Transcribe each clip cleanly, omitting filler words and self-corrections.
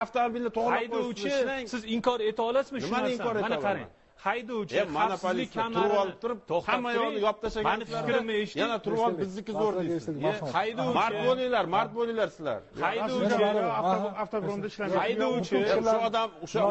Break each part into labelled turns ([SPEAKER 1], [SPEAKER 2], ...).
[SPEAKER 1] avtomobilni to'g'rilab
[SPEAKER 2] haydovchi siz inkor eta olasizmi shu narsani? Mana qarang. Haydovchi xavfsizlik kamarini
[SPEAKER 1] turib hamma yoqni yopib tashlagan.
[SPEAKER 2] Mani fikrimni eshiting.
[SPEAKER 1] Yana turib olib bizniki zo'r deysiz.
[SPEAKER 2] Haydovchi
[SPEAKER 1] mard bo'linglar sizlar.
[SPEAKER 2] Haydovchi
[SPEAKER 3] avtobromda ishlamaydi.
[SPEAKER 2] Haydovchi
[SPEAKER 1] o'sha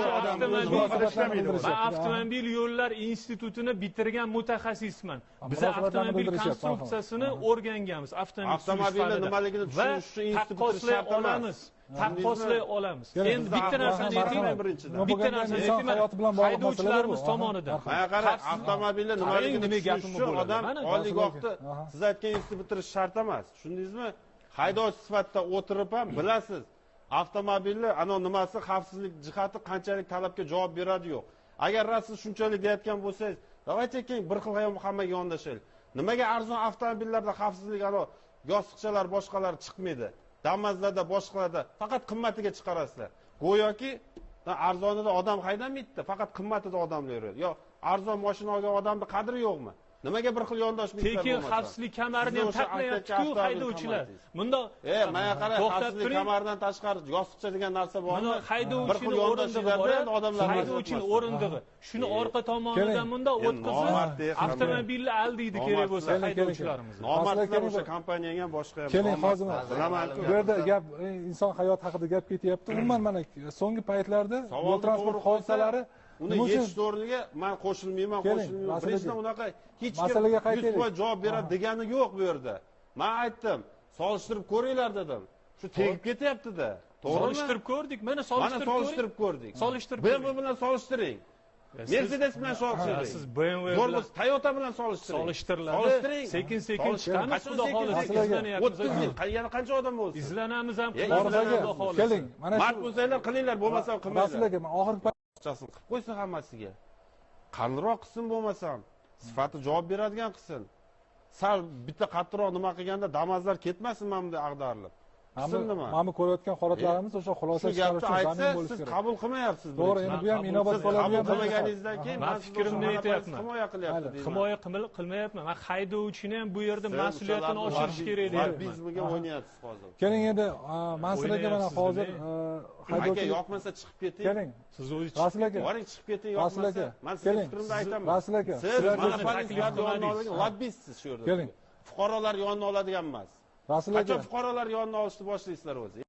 [SPEAKER 2] avtomobil yo'llar institutini bitirgan mutaxassisman. Biz avtomobil konstruksiyasini o'rganganmiz.
[SPEAKER 1] Avtomobilni nimaligini tushunish uchun institutni shart emas. Taqqoslay olamiz. Endi bitta narsani aytaymi birinchidan. Bitta narsani aytaymi. Haydovchilarimiz tomonidan. Mana qarang, avtomobilni nimaligini tushunish uchun odam oliygohni siz aytgan institutni bitirish shart emas. Tushundingizmi? Haydovchi sifatida o'tirib ham bilasiz. Avtomobilni ana nimasi xavfsizlik jihati qanchalik talabga javob beradi yo'q. Agar siz shunchalik deyotgan bo'lsangiz, davaychi keling bir xil hammaga yondashaylik. Nimaga arzon avtomobillarda xavfsizlik ana yostiqchalar boshqalar chiqmaydi? Damazlarda boshqalarda faqat qimmatiga chiqarasizlar. Go'yoki arzonida odam haydamaydi, faqat qimmatida odamlar yuradi. Yo, arzon mashina olgan odamning qadri yo'qmi? Nimaga bir xil yondoshliklar bo'lmasa?
[SPEAKER 2] Tekin xavfsizlik kamarini ham taqmayapti-ku haydovchilar. Bunda
[SPEAKER 1] mana qarang, xavfsizlik kamaridan tashqari yostiqcha degan narsa bormi?
[SPEAKER 2] Mana haydovchining o'rindig'i odamlar haydovchining o'rindig'i. Shuni orqa tomonidan bunda o'tkazib avtomobilni aldaydi kerak bo'lsa haydovchilarimiz.
[SPEAKER 1] Nomardlar o'sha kompaniyanga ham boshqa ham.
[SPEAKER 4] Keling, hozir bu yerda gap inson hayoti haqida gap ketyapti. Umuman mana so'nggi paytlarda yo'l transport hodisalari
[SPEAKER 1] uni yechish o'rniga men qo'shilmayman. Birinchidan unaqa hech kim 100% javob beradi degani yo'q bu yerda. Men aytdim, solishtirib ko'ringlar dedim. Shu tegib ketyapti-da. To'g'rimi?
[SPEAKER 2] Solishtirib ko'rdik. Mana solishtirib
[SPEAKER 1] ko'rdik.
[SPEAKER 2] Solishtirib.
[SPEAKER 1] BMW bilan solishtiring. Mercedes bilan solishtiring.
[SPEAKER 2] Siz BMW
[SPEAKER 1] bilan Toyota bilan solishtiring.
[SPEAKER 2] Solishtiriladi. Sekin-sekin chiqamiz, xudo xohlasa izlanyapmiz.
[SPEAKER 1] 30 yil, yana qancha odam bo'lsin?
[SPEAKER 2] Izlanamiz ham,
[SPEAKER 4] xudo xohlasa. Keling, mana shu
[SPEAKER 1] mard bo'lsanglar qilinglar, bo'lmasa qilmanglar.
[SPEAKER 4] Rasulaga men oxirgi
[SPEAKER 1] qilib qo'ysin hammasiga. Qalinroq qilsin bo'lmasam, sifati javob beradigan qilsin. Sal bitta qattiqroq nima qilganda damazlar ketmasin mana bunday ag'darilib.
[SPEAKER 4] Mana ko'rayotgan holatlarimiz o'sha xulosa chiqarish uchun zamin bo'lishi kerak.
[SPEAKER 1] Siz qabul qilmayapsiz.
[SPEAKER 4] To'g'ri, endi bu ham inobat qoladigan
[SPEAKER 1] qilmaganingizdan keyin
[SPEAKER 2] men fikrimni aytyapman.
[SPEAKER 1] Himoya qilyapti.
[SPEAKER 2] Himoya qilmayapman. Men haydovchini ham bu yerda mas'uliyatini oshirish kerak deyapman.
[SPEAKER 1] Bizga o'ynayapsiz hozir.
[SPEAKER 4] Keling endi masalaga mana hozir
[SPEAKER 1] haydovchi yoqmasa chiqib keting.
[SPEAKER 4] Keling.
[SPEAKER 2] Siz o'zingiz
[SPEAKER 1] Rasul aka, boring chiqib keting yoqmasa. Men sizga fikrimni aytaman.
[SPEAKER 4] Rasul aka,
[SPEAKER 1] siz mana taklifni lobbistsiz shu yerda.
[SPEAKER 4] Keling.
[SPEAKER 1] Fuqarolar yonini oladigan emas.
[SPEAKER 4] Rasul aka,
[SPEAKER 1] qachon fuqarolar yonini olishni boshlaysizlar o'zi?